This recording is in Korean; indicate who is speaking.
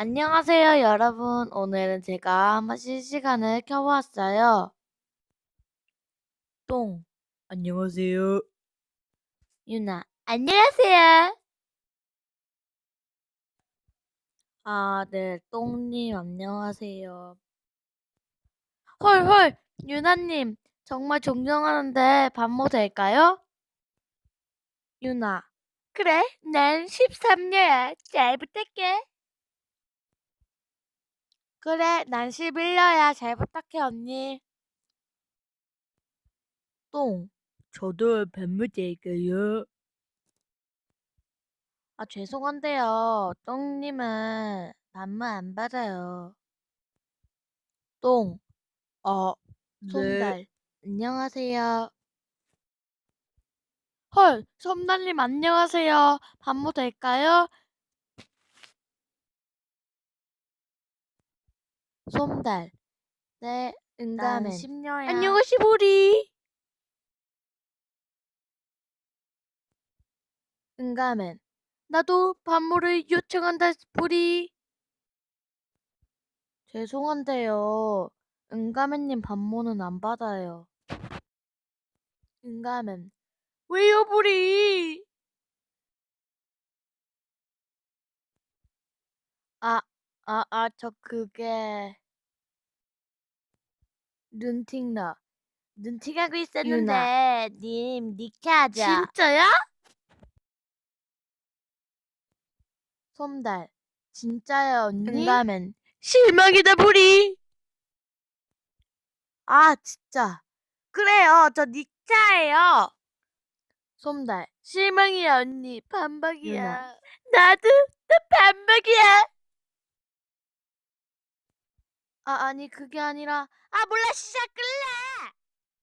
Speaker 1: 안녕하세요, 여러분. 오늘은 제가 한번 실시간을 켜보았어요. 똥, 안녕하세요. 유나, 안녕하세요. 아, 네, 똥님, 안녕하세요. 헐, 유나님, 정말 존경하는데 반모 될까요? 유나, 그래, 난 13녀야. 잘 부탁해. 그래, 난 11녀야. 잘 부탁해, 언니. 똥, 저도 반모 될까요? 아, 죄송한데요. 똥님은 반말 안 받아요. 똥, 네. 솜달, 안녕하세요. 헐, 솜달님 안녕하세요. 반모 될까요? 솜달, 네, 난
Speaker 2: 응가맨.
Speaker 1: 심녀야. 안녕하시 보리.
Speaker 2: 응가맨.
Speaker 1: 나도 반모를 요청한다 보리. 죄송한데요. 응가맨님 반모는 안 받아요.
Speaker 2: 응가맨.
Speaker 1: 왜요 보리? 저 그게
Speaker 2: 눈팅너.
Speaker 1: 눈팅하고
Speaker 2: 유나.
Speaker 1: 있었는데 님 니케하자.
Speaker 2: 진짜야?
Speaker 1: 솜달, 진짜야 언니?
Speaker 2: 응가맨.
Speaker 1: 실망이다 보리. 아 진짜. 그래요, 저 니차예요. 솜달, 실망이야 언니. 반박이야.
Speaker 2: 유나.
Speaker 1: 나도 나 반박이야. 아니 그게 아니라. 아 몰라, 시작 끌래.